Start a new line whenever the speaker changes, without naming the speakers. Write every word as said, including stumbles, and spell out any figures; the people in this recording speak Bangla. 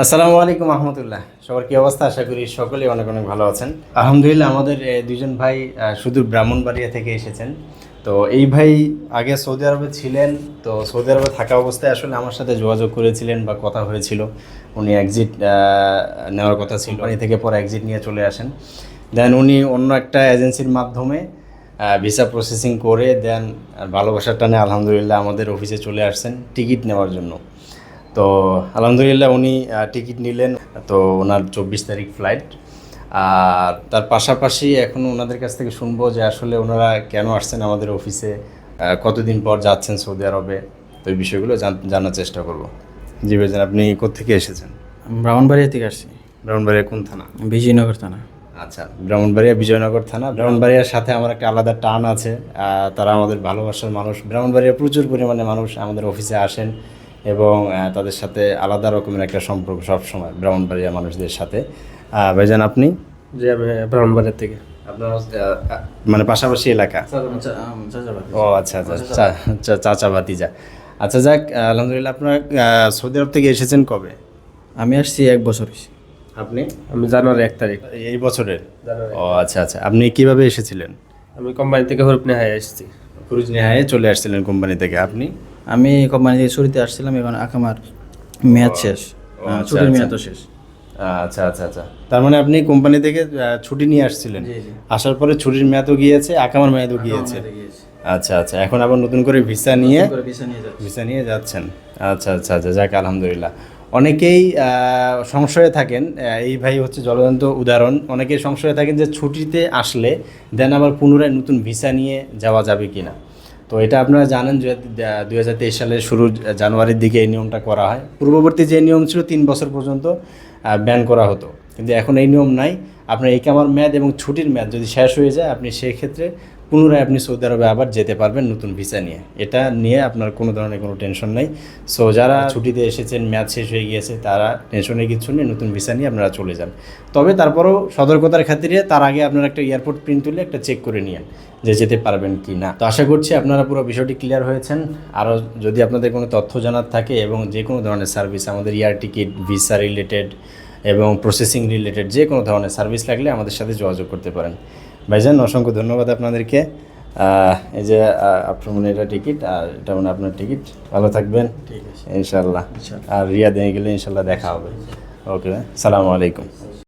আসসালামু আলাইকুম রহমতুল্লাহ। সবার কি অবস্থা? আশা করি সকলেই অনেক অনেক ভালো আছেন। আলহামদুলিল্লাহ, আমাদের এ, দুজন ভাই আহ, সুদূর ব্রাহ্মণবাড়িয়া থেকে এসেছেন। তো এই ভাই আগে সৌদি আরবে ছিলেন। তো সৌদি আরবে থাকা অবস্থায় আসলে আমার সাথে যোগাযোগ করেছিলেন বা কথা হয়েছিল। উনি এক্সিট নেওয়ার কথা ছিল, কোম্পানি থেকে পরে এক্সিট নিয়ে চলে আসেন। দেন উনি অন্য একটা এজেন্সির মাধ্যমে ভিসা প্রসেসিং করে দেন ভালোবাসার টানে আলহামদুলিল্লাহ আমাদের অফিসে চলে আসছেন টিকিট নেওয়ার জন্য। তো আলহামদুলিল্লাহ উনি টিকিট নিলেন। তো ওনার চব্বিশ তারিখ ফ্লাইট। আর তার পাশাপাশি এখন ওনাদের কাছ থেকে শুনবো যে আসলে ওনারা কেন আসছেন আমাদের অফিসে, আহ, কতদিন পর যাচ্ছেন সৌদি আরবে। তো এই বিষয়গুলো জান- জানার চেষ্টা করব। জি ভাইজান, আপনি কোত্থেকে এসেছেন?
ব্রাহ্মণবাড়িয়া থেকে আসছি।
ব্রাহ্মণবাড়িয়া কোন থানা?
বিজয়নগর থানা।
আচ্ছা, ব্রাহ্মণবাড়িয়া বিজয়নগর থানা। ব্রাহ্মণবাড়িয়ার সাথে আমার একটা আলাদা টান আছে। আহ, তারা আমাদের ভালোবাসার মানুষ। ব্রাহ্মণবাড়িয়া প্রচুর পরিমাণে মানুষ আমাদের অফিসে আসেন এবং আহ, তাদের সাথে আলাদা রকমের একটা সম্পর্ক সবসময় ব্রাহ্মণবাড়িয়া মানুষদের সাথে। আহ, ভাইজান আপনি?
যে আমি ব্রাহ্মণবাড়িয়ার থেকে।
আপনার আহ, মানে পাশাপাশি এলাকা? ও আচ্ছা আচ্ছা, চা- চা- চাচা ভাতিজা। আচ্ছা যাক, আলহামদুলিল্লাহ। আপনার আহ, সৌদি আরব থেকে এসেছেন কবে?
আমি আসছি এক বছর হয়েছে।
আপনি?
আমি জানুয়ারি এক তারিখ।
এই বছরের? ও আচ্ছা আচ্ছা। আপনি কিভাবে এসেছিলেন?
আমি কোম্পানি থেকে হরুপ নেহায় আসছি।
ক্রুজ নেহায় চলে আসছিলেন কোম্পানি থেকে। আপনি?
আমি কোম্পানি থেকে ছুটিতে আসছিলাম, এখন আকামার মেয়াদ শেষ। হ্যাঁ,
আচ্ছা,
ছুটির
আচ্ছা।
মেয়াদও শেষ।
আচ্ছা আচ্ছা আচ্ছা। তার মানে আপনি কোম্পানি থেকে আহ, ছুটি নিয়ে আসছিলেন।
জি, জি।
আসার পরে ছুটির মেয়াদও গিয়েছে, আকামার মেয়াদও গিয়েছে। আচ্ছা আচ্ছা। এখন আবার নতুন করে ভিসা নিয়ে ভিসা নিয়ে যাচ্ছেন। আচ্ছা আচ্ছা আচ্ছা, যাক আলহামদুলিল্লাহ। অনেকেই আহ, সংশয়ে থাকেন, আহ, এই ভাই হচ্ছে জ্বলন্ত উদাহরণ। অনেকেই সংশয়ে থাকেন যে ছুটিতে আসলে দেন আবার পুনরায় নতুন ভিসা নিয়ে যাওয়া যাবে কি না। তো এটা আপনারা জানেন যে দুই হাজার তেইশ সালের শুরু জানুয়ারির দিকে এই নিয়মটা করা হয়। পূর্ববর্তী যে নিয়ম ছিল তিন বছর পর্যন্ত ব্যান করা হতো, কিন্তু এখন এই নিয়ম নাই। আপনার ইকামার মেয়াদ এবং ছুটির মেয়াদ যদি শেষ হয়ে যায়, আপনি সেই ক্ষেত্রে পুনরায় আপনি সৌদি আরবে আবার যেতে পারবেন নতুন ভিসা নিয়ে। এটা নিয়ে আপনার কোনো ধরনের কোনো টেনশন নেই। সো যারা ছুটিতে এসেছেন, মেয়াদ শেষ হয়ে গিয়েছে, তারা টেনশনের কিছু নেই, নতুন ভিসা নিয়ে আপনারা চলে যান। তবে তারপরেও সতর্কতার খাতিরে তার আগে আপনারা একটা এয়ারপোর্ট প্রিন্ট তুলে একটা চেক করে নিন যে যেতে পারবেন কি না। তো আশা করছি আপনারা পুরো বিষয়টি ক্লিয়ার হয়েছেন। আরও যদি আপনাদের কোনো তথ্য জানার থাকে এবং যে কোনো ধরনের সার্ভিস, আমাদের এয়ার টিকিট, ভিসা রিলেটেড এবং প্রসেসিং রিলেটেড যে কোনো ধরনের সার্ভিস লাগলে আমাদের সাথে যোগাযোগ করতে পারেন। ভাইজান অসংখ্য ধন্যবাদ আপনাদেরকে। এই যে আপনার মানে এটা টিকিট, আর এটা মানে আপনার টিকিট। ভালো থাকবেন।
ঠিক আছে,
ইনশাল্লাহ। আর রিয়াদে গেলে ইনশাল্লাহ দেখা হবে। ওকে, সালামু আলাইকুম।